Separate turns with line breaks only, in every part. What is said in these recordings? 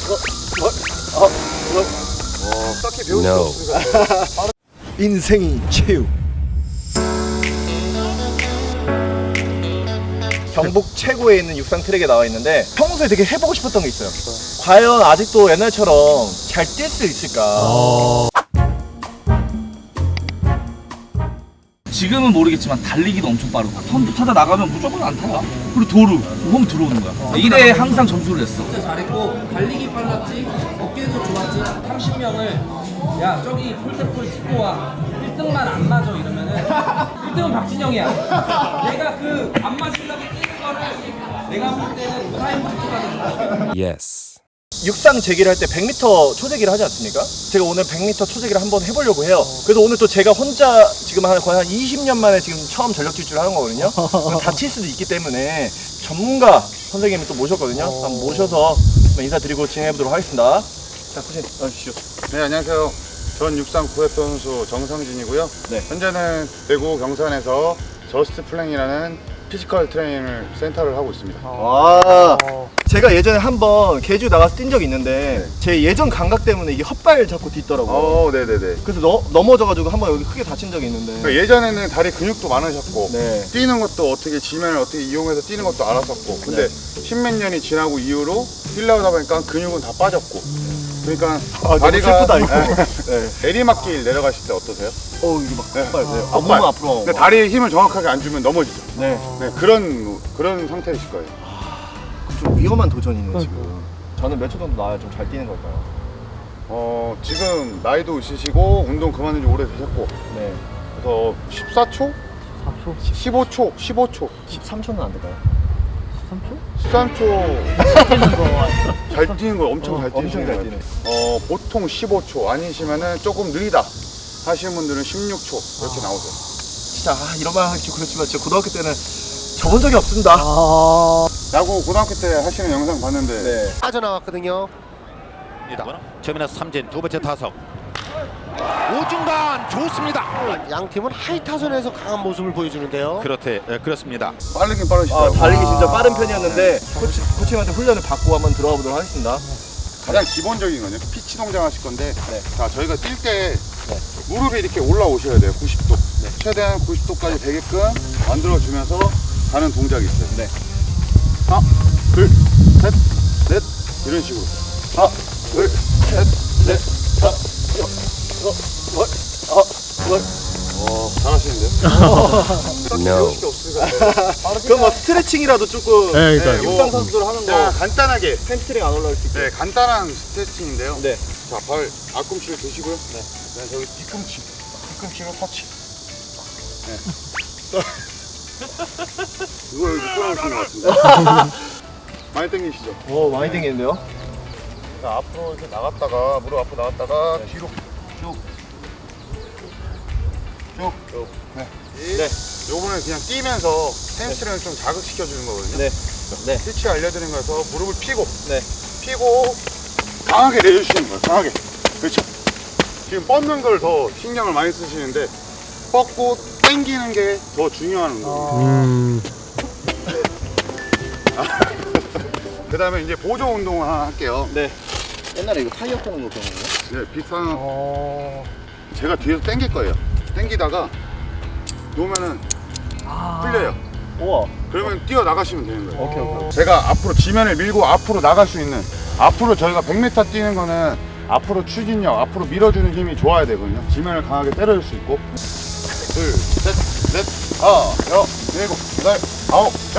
딱히 배울 수 없으니까. 인생이 체육. 경북 최고에 있는 육상 트랙에 나와 있는데 평소에 되게 해보고 싶었던 게 있어요. 과연 아직도 옛날처럼 잘 뛸 수 있을까?
지금은 모르겠지만 달리기도 엄청 빠르고 선두 타다 나가면 무조건 안 타요. 그리고 도루, 홈 들어오는 거야. 이래 항상 점수를 냈어.
진짜 잘했고 달리기 빨랐지, 어깨도 좋았지. 30명을 야 저기 폴대폴 찍고 와 1등만 안 맞아 이러면은 1등은 박진영이야. 내가 그 안 맞으려고 뛰는 거를 내가 볼 때는 우사인 볼트가 더 좋아.
육상 재기를 할 때 100m 초재기를 하지 않습니까? 제가 오늘 100m 초재기를 한번 해보려고 해요. 그래서 오늘 또 제가 혼자 지금 거의 한 20년 만에 지금 처음 전력 질주를 하는 거거든요. 다칠 수도 있기 때문에 전문가 선생님을 또 모셨거든요. 한번 모셔서 인사드리고 진행해보도록 하겠습니다. 자, 코치님 나와주시죠.
네, 안녕하세요. 전 육상 구회표 선수 정성진이고요.
네.
현재는 대구 경산에서 저스트 플랭이라는 피지컬 트레이닝 센터를 하고 있습니다.
와, 제가 예전에 한번 계주 나가서 뛴 적이 있는데 제 예전 감각 때문에 이게 헛발 잡고 뛰더라고요.
네네네.
그래서 넘어져가지고 한번 여기 크게 다친 적이 있는데.
그러니까 예전에는 다리 근육도 많으셨고
네.
뛰는 것도 어떻게 지면을 어떻게 이용해서 뛰는 것도 알았었고 근데 십몇 년이 지나고 이후로 뛰려고 하다 보니까 근육은 다 빠졌고 그러니까
너무 슬프다 이거.
네. 내리막길 내려가실 때 어떠세요?
이거 막 헛발. 네.
헛발.
너무 앞으로.
근데 다리에 힘을 정확하게 안 주면 넘어지죠.
네.
네, 그런 상태이실 거예요.
좀 위험한 도전이네 지금. 저는 몇 초 정도 나와야 좀 잘 뛰는 걸까요?
지금 나이도 있으시고 운동 그만둔 지 오래 되셨고
네.
그래서 14초? 15초? 15초?
13초는 안 될까요?
13초 잘 뛰는 거 엄청 잘
엄청
뛰시는
잘
거예요.
뛰네.
보통 15초 아니시면은 조금 느리다 하시는 분들은 16초 이렇게 나오세요.
진짜 이런 말 하기 좀 그렇지만 제가 고등학교 때는 접은 적이 없습니다.
야구 고등학교 때 하시는 영상 봤는데
네.
빠져나왔거든요.
최민아 삼진 두 번째 타석 우중간 좋습니다.
양 팀은 하이 타선에서 강한 모습을 보여주는데요.
그렇습니다.
빠르긴 빠르시더라고요.
달리기 진짜 빠른 편이었는데 코치님한테 훈련을 받고 한번 들어가 보도록 하겠습니다.
가장 기본적인 거는 피치 동작 하실 건데
네.
자 저희가 뛸 때 무릎이 이렇게 올라오셔야 돼요. 90도. 최대한 90도까지 되게끔 만들어주면서 가는 동작이 있어요.
네.
하나, 둘, 셋, 넷 이런 식으로. 하나, 둘, 셋, 넷, 다섯, 잘하시는데요? 딱히 배우실 게 없으니까.
그럼 뭐 스트레칭이라도 조금 육상 선수들 하는
자,
거
간단하게
햄스트링 안 올라올 수 있게.
네, 간단한 스트레칭인데요.
네.
자, 발 앞꿈치를 드시고요. 네. 저기 뒤꿈치로 터치. 네. 이거 여기 끌어오시는 것 같은데. 많이 당기시죠?
오, 많이 땡기는데요?
자, 앞으로 이렇게 나갔다가 무릎 앞으로 나갔다가 뒤로 쭉. 네.
네.
요번에 그냥 뛰면서 햄스트링을 좀 자극시켜 주는 거거든요.
네. 네.
피치 알려드린 거에서 무릎을 피고
네.
강하게 내려주시는 거예요. 강하게. 그렇죠. 지금 뻗는 걸 더 신경을 많이 쓰시는데 뻗고 당기는 게 더 중요한 운동이에요. 그 다음에 이제 보조 운동을 하나 할게요.
네. 옛날에 이거 타이어 끄는 거 그런 거예요?
네, 비슷한. 제가 뒤에서 당길 거예요. 당기다가 놓으면은 풀려요.
우와.
그러면 뛰어 나가시면 되는 거예요.
오케이.
제가 앞으로 지면을 밀고 앞으로 나갈 수 있는, 앞으로 저희가 100m 뛰는 거는 앞으로 추진력, 앞으로 밀어주는 힘이 좋아야 되거든요. 지면을 강하게 때려줄 수 있고. 둘, 셋, 넷, 다섯, 여섯, 일곱, 여덟, 아홉, 열.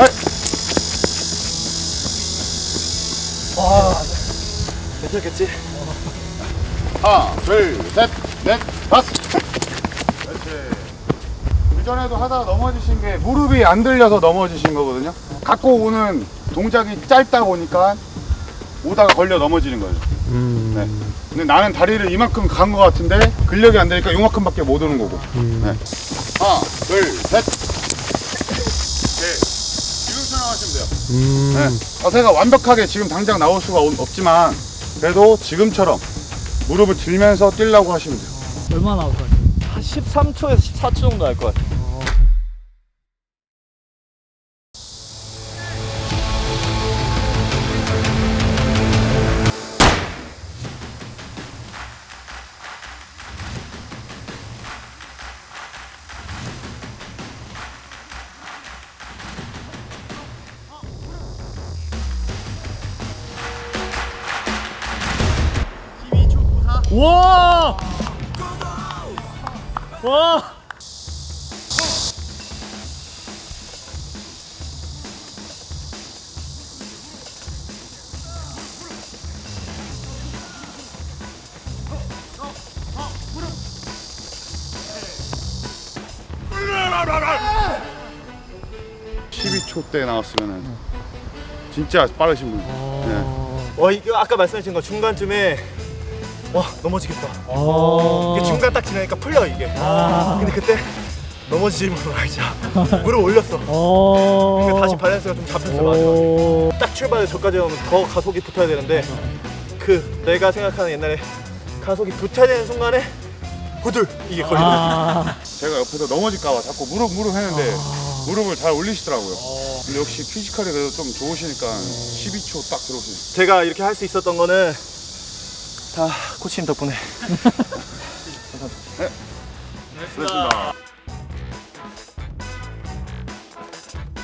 와. 괜찮겠지?
하나, 둘, 셋, 넷, 다섯. 그렇지. 그전에도 하다가 넘어지신 게 무릎이 안 들려서 넘어지신 거거든요. 갖고 오는 동작이 짧다 보니까 오다가 걸려 넘어지는 거예요. 네. 근데 나는 다리를 이만큼 간 것 같은데 근력이 안 되니까 요만큼밖에 못 오는 거고. 네. 하나, 둘, 셋. 네. 지금처럼 하시면 돼요. 네. 자세가 완벽하게 지금 당장 나올 수가 없지만 그래도 지금처럼 무릎을 들면서 뛰려고 하시면 돼요.
얼마나 나올 것 같아요?
한 13초에서 14초 정도 할 것 같아요.
와! 와!
아! 12초 때 나왔으면은 진짜 빠르신 분. 네.
이거 아까 말씀하신 거 중간쯤에 와 넘어지겠다. 이게 중간 딱 지나니까 풀려 이게. 근데 그때 넘어지지 말자. 무릎 올렸어. 근데 다시 밸런스가 좀 잡혔어. 마지막에. 딱 출발해 저까지 오면 더 가속이 붙어야 되는데 그 내가 생각하는 옛날에 가속이 붙어야 되는 순간에 후들 이게 걸리거든요.
제가 옆에서 넘어질까봐 자꾸 무릎 했는데 무릎을 잘 올리시더라고요. 근데 역시 피지컬이 그래도 좀 좋으시니까 12초 딱 들어오시네요.
제가 이렇게 할 수 있었던 거는 다 코치님 덕분에